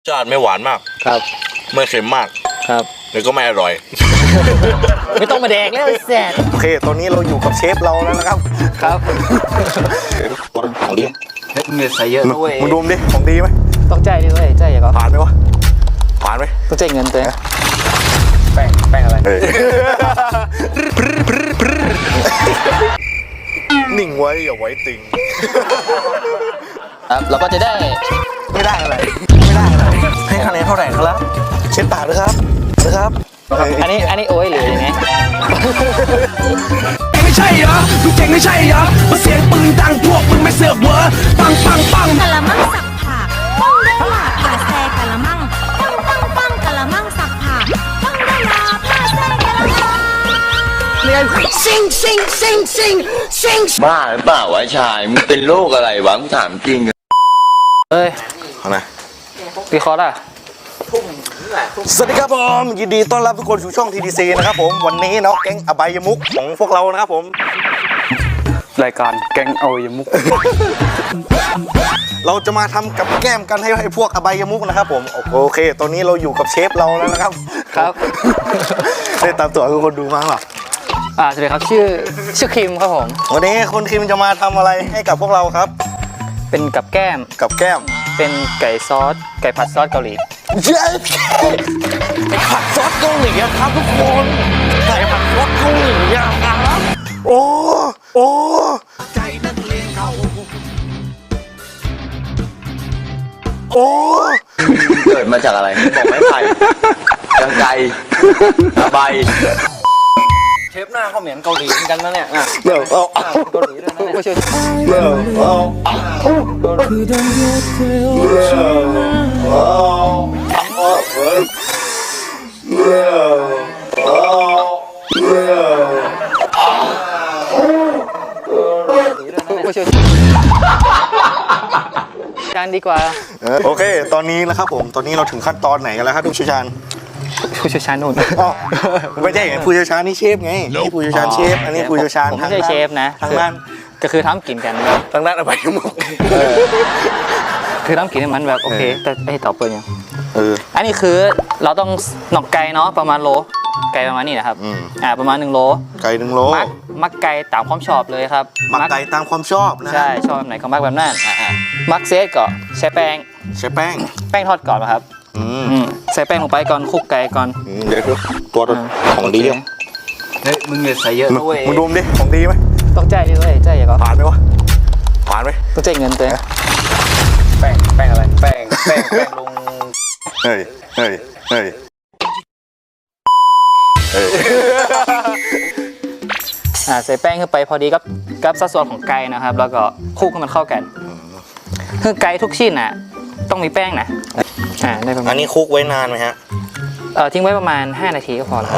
ชาติไม่หวานมากครับไม่เค็มมากครับแล้วก็ไม่อร่อยไม่ต้องมาแดกแล้วแสบโอเคตอนนี้เราอยู่กับเชฟเราแล้วนะครับครับของดีเงินใส่เยอะด้วยมึงดูดิของดีไหมต้องใจดิเว้ยใจอย่าก็ผ่านไหมวะผ่านไหมต้องใจเงินตัวแป้งอะไรนิ่งไว้อย่าไว้ติงครับเราก็จะได้ไม่ได้อะไรให้คะแนนเท่าไหร่ครับเช็ดปากนะครับอันนี้โอ้ยหรือยังไงไม่ใช่เหรอมึงเจ๋งไม่ใช่เหรอมาเสียงปืนดังพวกมึงไม่เสือกเวอปังกะละมังสับผักต้องได้หลาผ่าแซ่กะละมังปังกะละมังสับผักต้องได้หลาผ่าแซ่กะละมังเรียนซิงบ้าหรือเปล่าวะชายมึงเป็นโรคอะไรวะมึงถามจริงเอ้ยเอานะพี่คอร์ดอ่ะสวัสดีครับผมยินดีต้อนรับทุกคนสู่ช่อง TDC นะครับผมวันนี้เนาะแก๊งอบายมุกของพวกเรานะครับผมรายการแก๊งอบายมุกเราจะมาทำกับแก้มกันให้พวกอบายมุกนะครับผมโอเคตอนนี้เราอยู่กับเชฟเราแล้วนะครับครับได้ตามตัวทุกคนดูมั้งหรอสวัสดีครับชื่อคิมครับผมวันนี้คุณคิมจะมาทำอะไรให้กับพวกเราครับเป็นกับแก้มเป็นไก่ผัดซอสเกาหลีเย้ผัดซอสเกาหลีครับทุกคนไก่ผัดซอสเกาหลีครับโอ้ใจนักเลงเขาเกิดมาจากอะไรบอกไม่ไผ่กังไก่ใบเชฟหน้าเขาเหมือนเกาหลีเหมือนกันนะเนี่ยเดี๋ยวเอาเกาหลีด้วยนะเนี่ยเดี๋ยวจานดีกว่าโอเคตอนนี้นะครับผมตอนนี้เราถึงขั้นตอนไหนกันแล้วครับผู้เชี่ยวชาญนู่นไม่ใช่ผู้เชี่ยวชาญนี่เชฟไงนี่ผู้เชี่ยวชาญเชฟอันนี้ผู้เชี่ยวชาญผมไม่ใช่เชฟนะทางด้านก็คือทำกินกันทางด้านอบายมุกคือทำกินให้มันแบบโอเคแต่ไอ้ต่อเปิดยังอันนี้คือเราต้องหนอกไก่เนาะประมาณโลไก่ประมาณนี้นะครับประมาณ1 โลไก่1 โลมักไก่ตามความชอบเลยครับมักไก่ตามความชอบนะใช่ชอบแบบไหนก็มักแบบนั้นมักเซตก็ใช้แป้งทอดก่อนนะครับใส่แป้งลงไปก่อนคลุกไก่ก่อนเดี๋ยวตัวของดีเฮ้ยมึงเนี่ยใส่เยอะด้วยมึงดูดิของดีไหมต้องใจดิเว้ยใจอย่าก็ผ่านไหมวะผ่านไหมต้องใจเงินตัวแป้งอะไรแป้งลงเฮ้ยใส่แป้งขึ้นไปพอดีกับสัดส่วนของไก่นะครับแล้วก็คลุกให้มันเข้ากันคือไก่ทุกชิ้นน่ะต้องมีแป้งนะได้ประมาณอันนี้คลุกไว้นานไหมฮะทิ้งไว้ประมาณ5 นาทีก็พอแล้ว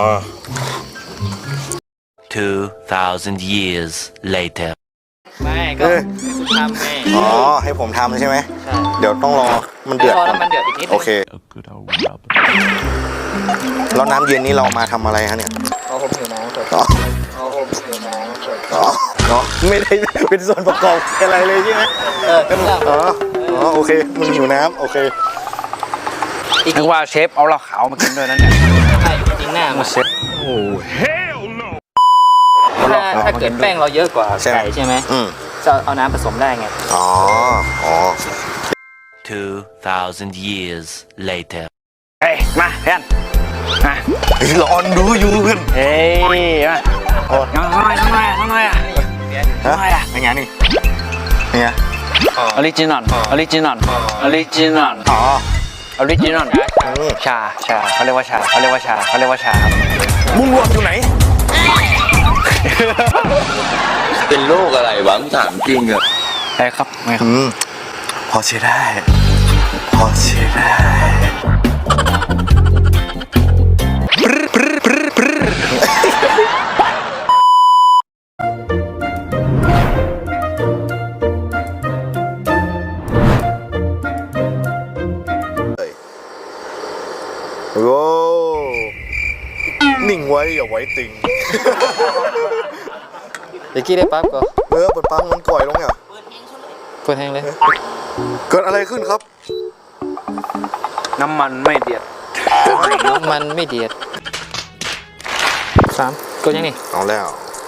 2,000 years later ไม่ก็คุณทำไงให้ผมทำใช่ไหมใช่เดี๋ยวต้องรอมันเดือดอีกนิดโอเคแล้วน้ำเย็นนี้เรามาทำอะไรฮะเนี่ยผมหิวน้ำไม่ได้เป็นส่วนประกอบอะไรเลยใช่ไหมเป็นเรื่องโอเคมึงหิวน้ำโอเคนึกว่าเชฟเอาเหล้าขาวมากินด้วยนั่นเนี่ยใช่จริงหน้ามาเชฟโอ้เฮลโนถ้าเกิดแป้งเราเยอะกว่าไก่ใช่ไหมจะเอาน้ำผสมได้ไง 2,000 years later เฮ้ยมาเพื่อนมาร้อนดูอยู่เพื่อนเฮ้ยมาน้อยเป็นไงนี่เนี่ยออริจินอลชาเขาเรียกว่าชามึงรวมอยู่ไหนเป็นโรคอะไรวะมึงถามจริงเหรอใช่ครับพอเชื่อได้โอ้นิ่งไว้อย่าไว้ติงเดี๋ยวกี้ได้ปั๊บก็เปิดปั๊บมันก่อยลงเนี่ยเปิดแห้งเลยเกิดอะไรขึ้นครับน้ำมันไม่เดือดน้ำมันไม่เดือด3กดยังนี่เอาแล้ว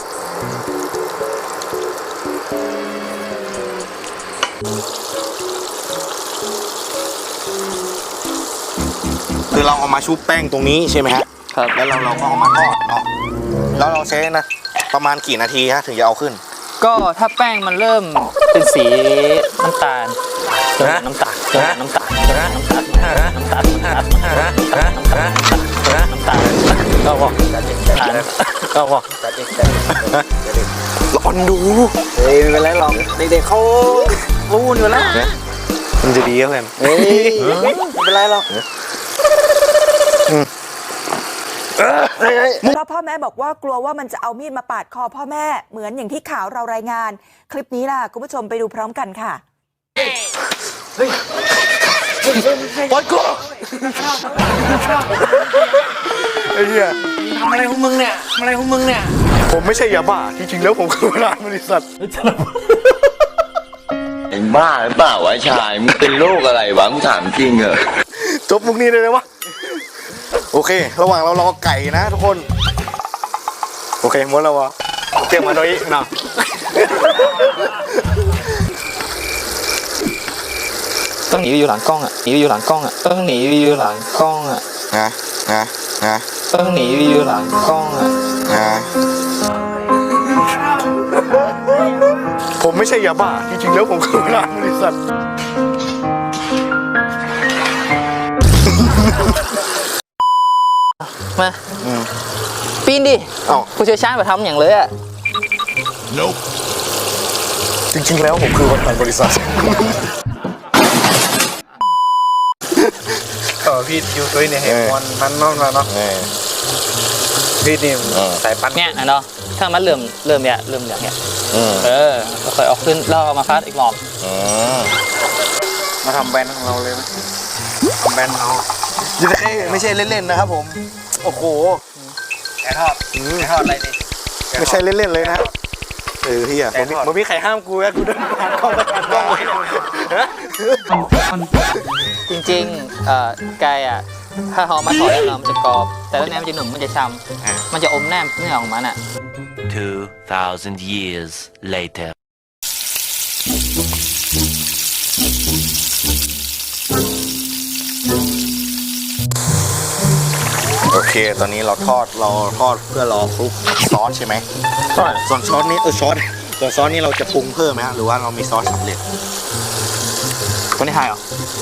คือเราเอามาชุบแป้งตรงนี้ใช่ไหมฮะครับแล้วเราก็เอามาทอดเนาะ แล้วเราใช้นะประมาณกี่นาทีฮะถึงจะเอาขึ้นก็ถ้าแป้งมันเริ่มเป็นสีน้ำตาลน้ำตาลน้ำตาลน้ำตาลน้ำตาลก็บอกก็บอกร้อนดูเฮ้ยไม่เป็นไรหรอกเด็กๆเขารู้อยู่แล้วมันจะดีก็เพื่อนเฮ้ยไม่เป็นไรหรอกเพราะพ่อแม่บอกว่ากลัวว่ามันจะเอามีดมาปาดคอพ่อแม่เหมือนอย่างที่ข่าวเรารายงาน คลิปนี้ล่ะคุณผู้ชมไปดูพร้อมกันค่ะปล่อยกูไอ้เหี้ยทำอะไรของมึงเนี่ยทำอะไรของมึงเนี่ยผมไม่ใช่ยาบ้า จริงๆแล้วผมคือพนักงานบริษัทไอ้บ้าหรือเปล่าวะชาย มึงเป็นโรคอะไรวะ มึงถามจริงเหรอจบมุกนี้เลยนะวะ โอเค ระหว่างเรารอไก่นะทุกคน โอเคหมดแล้ววะเตรียมมาโดยนะต้องหนีอยู่หลังกล้องอ่ะหนีอยู่หลังกล้องอ่ะต้องหนีอยู่หลังกล้องอ่ะนะต้องหนีอยู่หลังกล้องอ่ะผมไม่ใช่ยาบ้า จริงๆแล้วผมคือพนักงานบริษัทมาปีนดิเอ้าผู้เชี่ยวชาญมาทำอย่างเลยอ่ะจริงๆแล้วผมคือพนักงานบริษัทพี่อยู่ตัวนี้ให้มันนอนมาเนาะพี่นี่สายปั้นเนี่ยนะเนาะถ้ามันเริ่มเนี่ยเริ่มอย่างเงี้ยก็ค่อยเอาขึ้นแล้วเอามาคัดอีกรอบมาทำแบรนด์ของเราเลยไหมทำแบรนด์เราไม่ใช่เล่นๆนะครับผม โอ้โหแกทอดอะไรดิไม่ใช่เล่นๆเลยนะเฮียมันมีใครห้ามกูอะกูเดินผ่านกล้องไปผ่านกล้องเลยฮะจริงๆไก่อ่ะถ้าเขามาถอดแล้วมันจะกรอบ แต่แล้วแหนมมันจะหนุ่มมันจะช้ำมันจะอมแหนมเนื้อของมันอ่ะ 2,000 years later. โอเค ตอนนี้เราทอดเพื่อรอคลุกซอสใช่ไหมใช่ส่วนซอสนี้ส่วนซอสนี้เราจะปรุงเพิ่มไหมฮะหรือว่าเรามีซอสสำเร็จคนที่ไทยเหรอ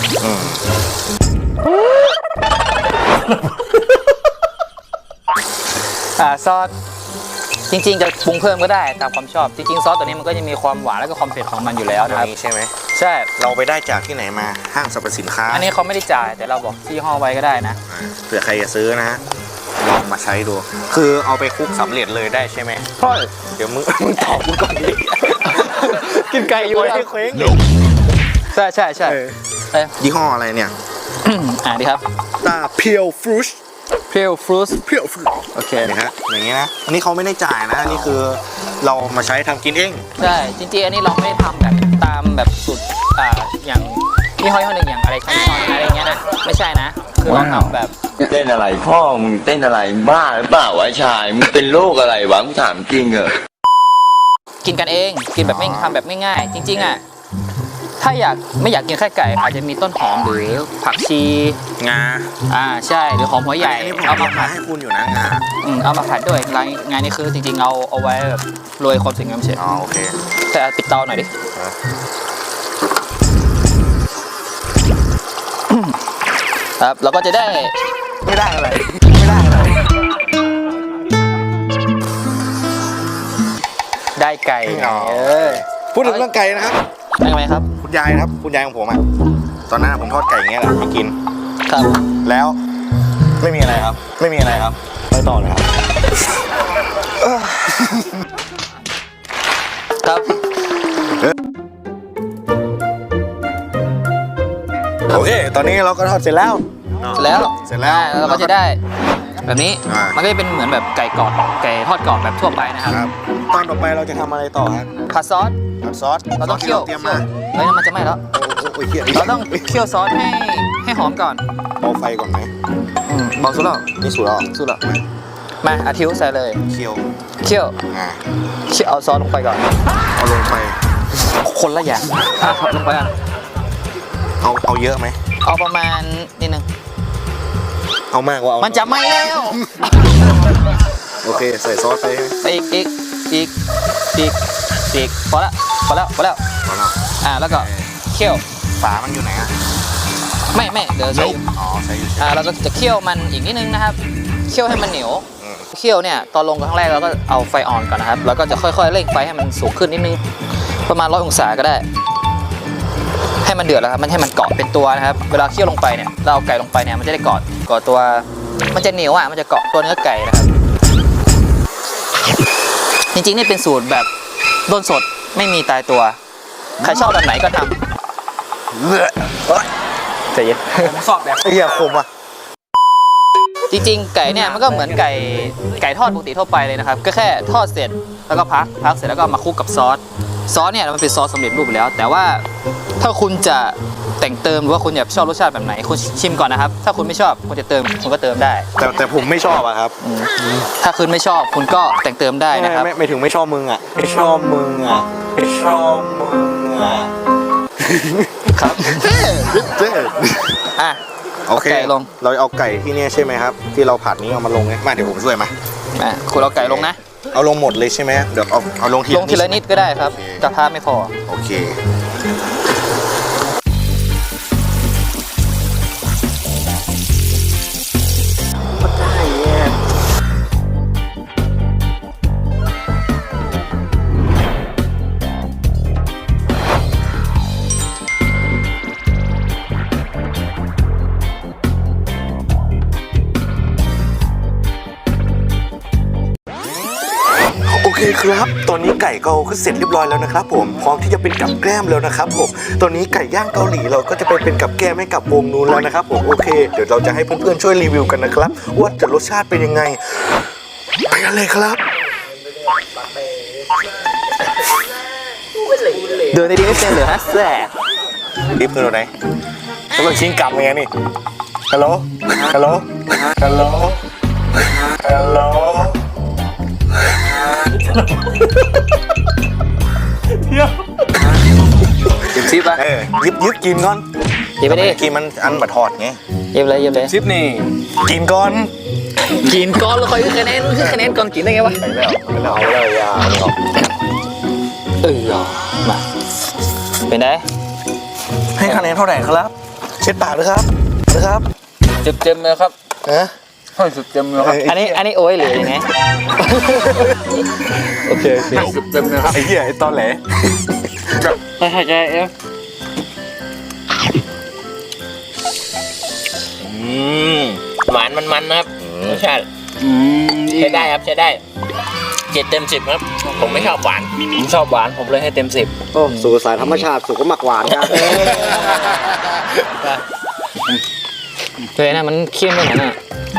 ซอสจริงๆจะปรุงเพิ่มก็ได้ตามความชอบจริงๆซอสตัวนี้มันก็จะมีความหวานแล้วก็ความเผ็ดของมันอยู่แล้วนะครับใช่ไหมใช่เราไปได้จากที่ไหนมาห้างสรรพสินค้าอันนี้เขาไม่ได้จ่ายแต่เราบอกที่ห้อไว้ก็ได้นะเผื่อใครจะซื้อนะฮะลองมาใช้ดู คือเอาไปคลุกสำเร็จเลยได้ใช่ไหมใช่เดี๋ยวมึงตอบกูก่อนดิกินไก่อยู่ให้เคว้งใช่ใช่ใช่เอ้ยยี่ห้ออะไรเนี่ยดีครับตาเพียวฟรุชเพียวฟรุตเพียวฟรุชโอเคนะฮะอย่างเงี้ยนะอันนี้เขาไม่ได้จ่ายนะอันนี่คือเรามาใช้ทำกินเองใช่จริงๆอันนี้เราไม่ได้ทำแบบตามแบบสูตรอย่างที่ห้อยหนึ่งอย่างอะไรช้อนอะไรอย่างเงี้ยนะไม่ใช่นะคือเราทำแบบเต้นอะไรพ่อ มึงเต้นอะไรบ้าหรือเปล่าวะชาย มึงเป็นโรคอะไรวะ มึงถามจริงเหรอกินกันเองกินแบบไม่ทำแบบไม่ง่ายจริงๆอ่ะถ้าไม่อยากกินแค่ไก่อาจจะมีต้นหอมหรือผักชีงาใช่หรือหอมหัวใหญ่อันนี้ผมเอามามาผัดให้คุณอยู่นะงาเอามาผัดด้วยงานนี้คือจริงๆเอาไว้แบบโรยความสวยงามเฉยอ๋อโอเคแต่ปิดเตาหน่อยดิครับเราก็จะได้ไม่ได้อะไรได้ไก่อ๋อ พูดถึงเรื่องไก่นะครับได้ไหมครับคุณยายนะครับ คุณยายของผมอ่ะตอนนั้นผมทอดไก่อย่างเงี้ยแหละให้กินครับแล้วไม่มีอะไรครับ ไปต่อเลยครับครับโอเค ตอนนี้เราก็ทอดเสร็จแล้วเสร็จแล้ว เราก็จะได้แบบนี้อ่ามัมันก็จะเป็นเหมือนแบบไก่กรอบไก่ทอดกรอบแบบทั่วไปนะครับครับ ตอนต่อไปเราจะทำอะไรต่อครับผัดซอสผัดซอสเราต้องเคี่ยวเตรียมมาเฮ้ยมันจะไหม้แล้วโอ้ยเหี้ยเราต้องเคี่ยวซอสให้หอมก่อนเบาไฟก่อนไหมเบาสุดแล้วนี่สุดแล้วสุดแล้วมาอาทิวใส่เลยเคี่ยวเคี่ยวอ่าเคี่ยวเอาซอสลงไปก่อนเอาลงไปคนละอย่างครับลงไปอ่ะเอาเยอะไหมเอาประมาณนิดนึงเอามากกว่าเอามันจะไหม้แล้วโอเคใส่ซอสไปอีกพอแล้วพอแล้วแล้วก็เคี่ยวฝามันอยู่ไหนอ่ะไม่เดี๋ยวใส่อ๋อใส่อยู่เราก็จะเคี่ยวมันอีกนิดนึงนะครับเคี่ยวให้มันเหนียวเคี่ยวเนี่ยตอนลงครั้งแรกเราก็เอาไฟอ่อนก่อนนะครับแล้วก็จะค่อยๆเร่งไฟให้มันสูงขึ้นนิดนึงประมาณ100 องศาก็ได้ ให้มันเดือดแล้วครับมันให้มันเกาะเป็นตัวนะครับเวลาเคี่ยวลงไปเนี่ยเราเอาไก่ลงไปเนี่ยมันจะได้เกาะตัวมันจะเหนียวอ่ะมันจะเกาะตัวเนื้อไก่นะครับจริงๆนี่เป็นสูตรแบบด้นสดไม่มีตายตัวใครชอบแบบไหนก็ทำใจเย็นผมชอบแบบเฮียคมอ่ะจริงๆไก่เนี่ยมันก็เหมือนไก่ทอดปกติทั่วไปเลยนะครับก็แค่ทอดเสร็จแล้วก็พักเสร็จแล้วก็มาคลุกกับซอสเนี่ยมันเป็นซอสสำเร็จรูปอยู่แล้วแต่ว่าถ้าคุณจะแต่งเติมหรือว่าคุณอยากชอบรสชาติแบบไหนคุณชิมก่อนนะครับถ้าคุณไม่ชอบคุณจะเติมคุณก็เติมได้แต่ผมไม่ชอบอะครับถ้าคุณไม่ชอบคุณก็แต่งเติมได้นะครับไม่ถึงไม่ชอบมึงอ่ะไม่ชอบมึงอ่ะไม่ชอบมึงอ่ะครับเจ๊อ่ะโอเคไก่ลงเราเอาไก่ที่เนี่ยใช่ไหมครับ ที่เราผัดนี้เอามาลงไงมาเดี๋ยวผมช่วยมาคุณเอาไก่ลงนะเอาลงหมดเลยใช่ไหมเดี๋ยวเอาลงทีลงทีละนิดก็ได้ครับกระทะไม่พอโอเคโอเคครับ ตอนนี้ไก่ก็เสร็จเรียบร้อยแล้วนะครับผมพร้อมที่จะเป็นกับแกล้มแล้วนะครับผมตอนนี้ไก่ย่างเกาหลีเราก็จะไปเป็นกับแกล้มให้กับวงนู้นแล้วนะครับผมโอเคเดี๋ยวเราจะให้เพื่อนๆช่วยรีวิวกันนะครับว่าจะรสชาติเป็นยังไงไปกันเลยครับเดินดีๆไม่เป็นเหรอฮะแสบรีบคือไหนต้องชิงกลับไงนี่ฮัลโหลฮัลโหลฮัลโหลฮัลโหลหยิบซิปอ่ะยึบกินก่อนหยิบไปดิกินมันอันบัดทอดไงหยิบเลยซิปนี่กินก่อนกินก่อนแล้วค่อยขึ้นคะแนนก่อนกินได้ไงวะไม่เอาเลยอ่ะมาเป็นไงให้คะแนนเท่าไหร่ครับ เช็ดปากเลยครับนะครับเต็มเลยครับฮะให้สุดเต็มเลยครับอันนี้โอ้ยหรือยังไงโอเคให้สุดเต็มเลยครับไอ้เหี้ยไอ้ตอนแหลไม่หายใจเอฟหวานมันนะครับรสชาติใช้ได้ครับใช้ได้7 เต็ม 10ครับผมไม่ชอบหวานผมชอบหวานผมเลยให้เต็ม 10 โอ้สู่สายธรรมชาติสู่ก็หมักหวานกันเลยนะมันเค็มไปหน่อยนะ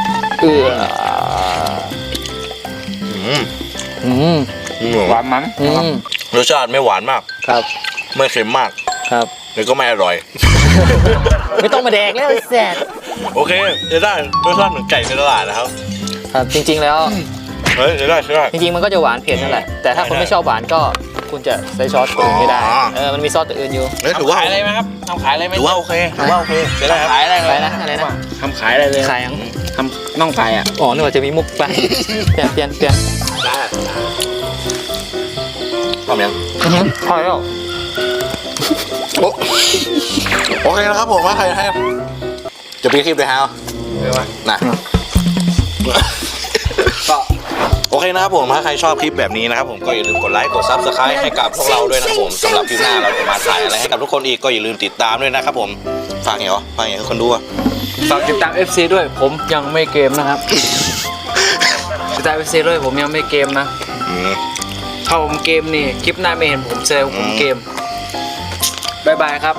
หวานมันรสชาติไม่หวานมากครับไม่เค็มมากครับแล้วก็ไม่อร่อยไม่ต้องมาแดกแล้วแสบโอเคจะได้รสชาติเหมือนไก่ในตลาดนะครับครับจริงๆแล้วเฮ้ยจะได้ใช่ได้จริงๆมันก็จะหวานเผ็ดนั่นแหละแต่ถ้าคนไม่ชอบหวานก็คุณจะใช้ซอสตัวอื่นไม่ได้มันมีซอสตัวอื่นอยู่ถือว่าขายอะไรไหมครับทำขายอะไรไหมถือว่าโอเคถือว่าโอเคจะได้ครับขายอะไรอะไรนะทำขายอะไรเลยขายยังทำน่องไก่อ่ะอ๋อนึกว่าจะมีมุกไปเปลี่ยนพร้อมยังพอแล้วโอเคนะครับผมว่าใครให้จะปีคลิปเลยฮะนะก็โอเคนะครับผมถ้าใครชอบคลิปแบบนี้นะครับผมก็อย่าลืมกดไลค์กด Subscribe ให้กับพวกเราด้วยนะครับผมสำหรับคลิปหน้าเราจะมาถ่ายอะไรให้กับทุกคนอีกก็อย่าลืมติดตามด้วยนะครับผมฝากไงวะฝากไงให้คนดูอ่ะฝากติดตาม FC ด้วยผมยังไม่เกมนะครับ ติดตาม FC ด้วยผมยังไม่เกมนะถ้าผมเกมนี่คลิปหน้าไม่เห็นผมแสดงว่าผมเกมบายบายครับ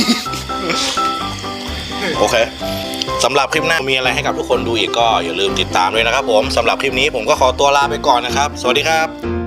โอเคสำหรับคลิปหน้ามีอะไรให้กับทุกคนดูอีกก็อย่าลืมติดตามด้วยนะครับผมสำหรับคลิปนี้ผมก็ขอตัวลาไปก่อนนะครับสวัสดีครับ